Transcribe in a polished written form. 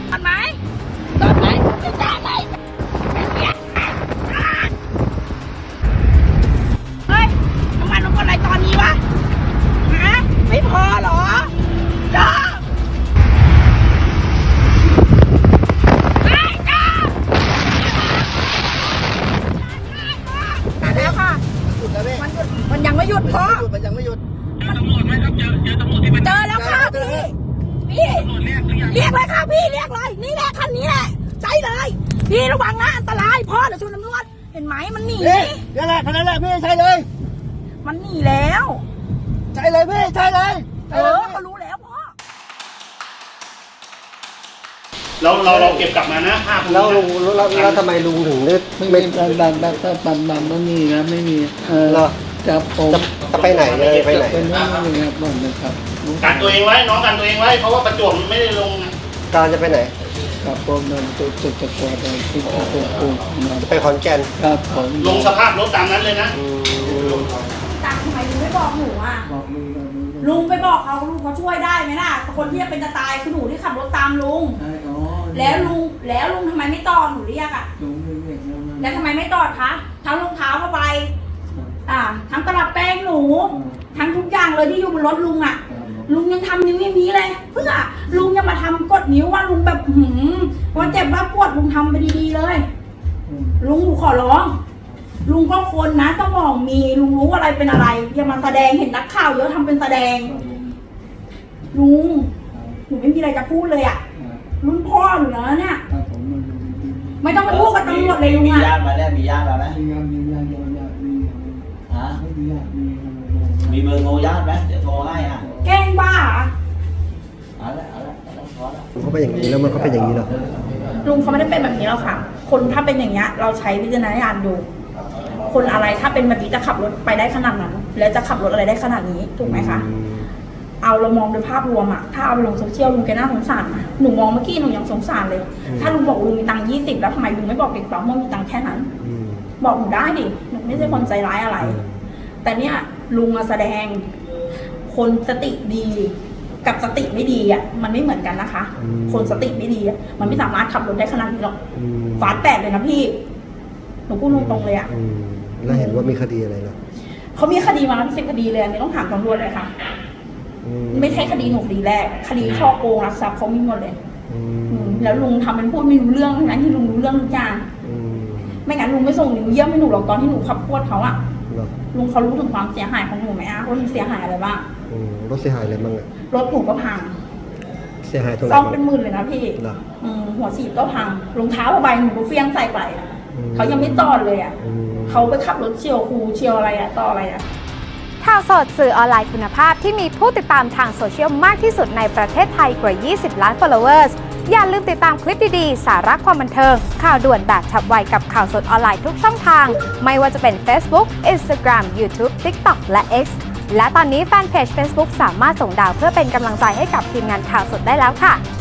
ตอนไหนตอนไหนจะด่าอะไรเฮ้ยน้ำมันลงอะไรตอนนี้วะฮะไม่พอเหรอจ้าแล้วค่ะมันยังไม่หยุดเพราะมันยังไม่หยุดเจอแล้วค่ะพี่เรียกเลยค่ะพี่เรียกเลยนี่แหละคันนี้แหละใช่เลยพี่ระวังนะอันตรายพ่อเดี๋ยวชนตำรวจเห็นไหมมันหนีนี่แหละคันนั้นแหละพี่ใช่เลยมันหนีแล้วใช่เลยพี่ใช่เลยเขารู้แล้วพ่อเราเก็บกลับมานะ5,000 แล้วลุงแล้วทำไมลุงถึงไม่ปั๊มไม่มีนะไม่มีจะไปไหนเลยไปไหนเป็นนี่ครับบอกนะครับกันตัวเองไว้น้องกันตัวเองไว้เพราะว่าประจวบไม่ได้ลงการจะไปไหนครับผมนั่นตัวจะกวาดที่ไปขอนแก่นครับผมลงสภาพรถตามนั้นเลยนะตังทำไมลุงไม่บอกหนูอ่ะลุงไปบอกเขาลุงเขาช่วยได้ไหมล่ะคนที่จะเป็นจะตายคือหนูที่ขับรถตามลุงแล้วลุงทำไมไม่ตอดหนูเรียกอ่ะแล้วทำไมไม่ตอดคะทั้งรองเท้าผ้าใบทั้งตลับแป้งหนูทั้งทุกอย่างเลยที่อยู่บนรถลุงอ่ะลุงยังทำนิ้วอย่างนี้เลยเพื่อลุงยังมาทำกดนิ้วว่าลุงแบบว่าเจ็บว่าปวดลุงทำไปดีๆเลยลุงหนูขอร้องลุงก็คนนะสมองมีลุงรู้อะไรเป็นอะไรอย่ามาแสดงเห็นนักข่าวเยอะทำเป็นแสดงลุงหนูไม่มีอะไรจะพูดเลยอ่ะรุ่นพ่อหนูแล้วเนี่ยไม่ต้องไปพูดกับตำรวจเลยลุงอ่ะมีญาติมาแล้วมีญาติมาไหมมีเบอร์โทรญาติไหมเดี๋ยวโทรให้แกล้งบ้าเอาละพอแล้วเขาเป็นอย่างนี้แล้วมันก็เป็นอย่างนี้หรอลุงเขาไม่ได้เป็นแบบนี้หรอกค่ะคนถ้าเป็นอย่างเงี้ยเราใช้วิจารณญาณดูคนอะไรถ้าเป็นแบบนี้จะขับรถไปได้ขนาดนั้นแล้วจะขับรถอะไรได้ขนาดนี้ถูกไหมคะเอาเรามองโดยภาพรวมอะถ้าเอาไปลงโซเชียลลุงแกน่าสงสารนะหนูมองเมื่อกี้หนูยังสงสารเลยถ้าลุงบอกลุงมีตังค์20แล้วทำไมลุงไม่บอกเด็กปั๊มว่ามีตังค์แค่นั้นบอกหนูได้ดิหนูไม่ใช่คนใจร้ายอะไรแต่เนี่ยลุงมาแสดงคนสติดีกับสติไม่ดีอะมันไม่เหมือนกันนะคะคนสติไม่ดีอะมันไม่สามารถขับรถได้ขนาดนี้หรอกฝาแตกเลยนะพี่หนูพูดตรงๆเลยอะแล้วเห็นว่ามีคดีอะไรเหรอเขามีคดีมาเป็น10 คดีเลยอันนี้ต้องถามตำรวจเลยค่ะไม่ใช่คดีหนูคดีแรกคดีช่อโกงลักทรัพย์เขามีหมดเลยแล้วลุงทำเป็นพูดไม่รู้เรื่องทั้งนั้นที่ลุงรู้เรื่องทุกอย่างไม่งั้นลุงไม่ส่งหนูเยี่ยมให้หนูหรอกตอนที่หนูขับพวดเขาอะลุงเขารู้ถึงความเสียหายของหนูไหมอะว่าหนูเสียหายอะไรบ้างรถเสียหายอะไรบ้างอะรถหนูก็พังเสียหายตรงไหนซ่อมเป็นหมื่นเลยนะพี่หัวฉีดก็พังรองเท้าผ้าใบหนูก็เฟี้ยงใส่ไปเขายังไม่จอดเลยอะเขาไปขับรถเฉียวครูเฉียวอะไรอะต่ออะไรอะข่าวสดสื่อออนไลน์คุณภาพที่มีผู้ติดตามทางโซเชียลมากที่สุดในประเทศไทยกว่า 20 ล้าน followers อย่าลืมติดตามคลิปดีๆสาระความบันเทิงข่าวด่วนแบบฉับไวกับข่าวสดออนไลน์ทุกช่องทางไม่ว่าจะเป็น Facebook, Instagram, YouTube, TikTok และ X และตอนนี้แฟนเพจ Facebook สามารถส่งดาวเพื่อเป็นกำลังใจให้กับทีมงานข่าวสดได้แล้วค่ะ